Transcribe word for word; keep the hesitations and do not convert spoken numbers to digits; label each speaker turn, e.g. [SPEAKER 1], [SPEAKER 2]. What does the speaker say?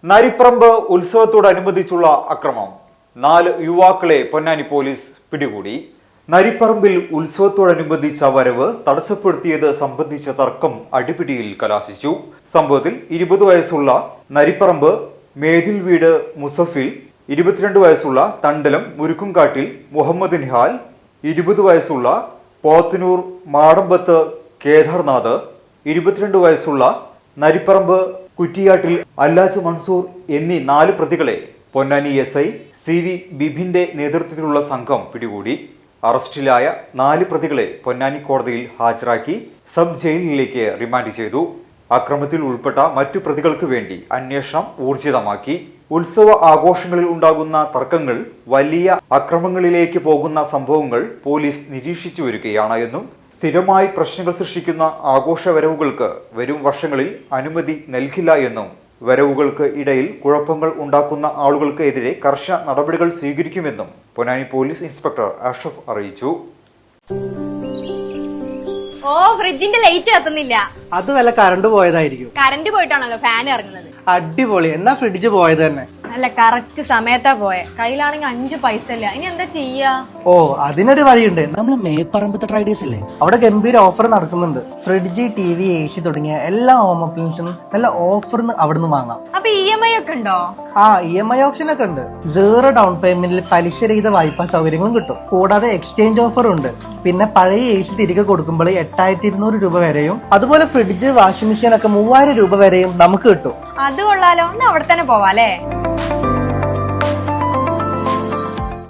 [SPEAKER 1] നരിപ്പറമ്പ് ഉത്സവത്തോടനുബന്ധിച്ചുള്ള അക്രമം. നാല് യുവാക്കളെ പൊന്നാനി പോലീസ് പിടികൂടി. നരിപ്പറമ്പിൽ ഉത്സവത്തോടനുബന്ധിച്ച വരവ് തടസ്സപ്പെടുത്തിയത് സംബന്ധിച്ച തർക്കം അടിപിടിയിൽ കലാശിച്ചു. സംഭവത്തിൽ ഇരുപത് വയസ്സുള്ള നരിപ്പറമ്പ് മേതിൽ വീട് മുസഫിൽ, ഇരുപത്തിരണ്ട് വയസ്സുള്ള തണ്ടലം മുരുക്കുംകാട്ടിൽ മുഹമ്മദ് നിഹാൽ, ഇരുപത് വയസ്സുള്ള പോത്തനൂർ മാടമ്പത്ത് കേദാർനാഥ്, ഇരുപത്തിരണ്ട് വയസ്സുള്ള നരിപ്പറമ്പ് കുറ്റിയാട്ടിൽ അല്ലാജ് മൻസൂർ എന്നീ നാല് പ്രതികളെ Ponnani S I C V ബിബിന്റെ നേതൃത്വത്തിലുള്ള സംഘം പിടികൂടി. അറസ്റ്റിലായ നാല് പ്രതികളെ പൊന്നാനി കോടതിയിൽ ഹാജരാക്കി സബ് ജയിലിലേക്ക് റിമാൻഡ് ചെയ്തു. അക്രമത്തിൽ ഉൾപ്പെട്ട മറ്റു പ്രതികൾക്ക് വേണ്ടി അന്വേഷണം ഊർജിതമാക്കി. ഉത്സവ ആഘോഷങ്ങളിൽ ഉണ്ടാകുന്ന തർക്കങ്ങൾ വലിയ അക്രമങ്ങളിലേക്ക് പോകുന്ന സംഭവങ്ങൾ പോലീസ് നിരീക്ഷിച്ചു വരികയാണ് എന്നും സ്ഥിരമായി പ്രശ്നങ്ങൾ സൃഷ്ടിക്കുന്ന ആഘോഷ വരവുകൾക്ക് വരും വർഷങ്ങളിൽ അനുമതി നൽകില്ല എന്നും വരവുകൾക്ക് ഇടയിൽ കുഴപ്പങ്ങൾ ഉണ്ടാക്കുന്ന ആളുകൾക്ക് എതിരെ കർശന നടപടികൾ സ്വീകരിക്കുമെന്നും പൊന്നാനി പോലീസ് ഇൻസ്പെക്ടർ അഷ്റഫ് അറിയിച്ചു.
[SPEAKER 2] ഓ, ഫ്രിഡ്ജിന്റെ ലൈറ്റ് കത്തുന്നില്ല.
[SPEAKER 3] അത് വല്ല കറണ്ട് പോയതായിരിക്കും.
[SPEAKER 2] കറണ്ട് പോയിട്ടാണല്ലോ ഫാൻ ഇറങ്ങുന്നത്.
[SPEAKER 3] അടിപൊളി, എന്നാ ഫ്രിഡ്ജ് പോയത് തന്നെ.
[SPEAKER 2] അല്ല, കറക്റ്റ് സമയത്താ പോയെ. കയ്യിലാണെങ്കിൽ അഞ്ചു പൈസ ഇല്ല. ഇനി എന്താ ചെയ്യാ?
[SPEAKER 3] ഓ, അതിനൊരു വഴിയുണ്ട്.
[SPEAKER 4] നമ്മള് മേപ്പറമ്പത്തെ ട്രൈഡേഴ്സ് ഇല്ലേ,
[SPEAKER 3] അവിടെ ഗംഭീര ഓഫർ നടക്കുന്നുണ്ട്. Fridge, T V, A C തുടങ്ങിയ എല്ലാ ഹോം അപ്ലയൻസും നല്ല ഓഫറിന് അവിടുന്ന് വാങ്ങാം.
[SPEAKER 2] അപ്പൊ ഇ എം ഐ ഒക്കെ ഉണ്ടോ?
[SPEAKER 3] ആ, ഇ എം ഐ ഓപ്ഷൻ ഒക്കെ ഉണ്ട്. സീറോ ഡൗൺ പേയ്മെന്റിൽ പലിശരഹിത വായ്പാ സൗകര്യങ്ങളും കിട്ടും. കൂടാതെ എക്സ്ചേഞ്ച് ഓഫർ ഉണ്ട്. പിന്നെ പഴയ എ സി തിരികെ കൊടുക്കുമ്പോൾ എട്ടായിരത്തി ഇരുന്നൂറ് രൂപ വരെയും, അതുപോലെ ഫ്രിഡ്ജ്, വാഷിംഗ് മെഷീൻ ഒക്കെ മൂവായിരം രൂപ വരെയും നമുക്ക് കിട്ടും.
[SPEAKER 2] അത് കൊള്ളാലോ. ഒന്ന് അവിടെ തന്നെ പോവാ അല്ലേ?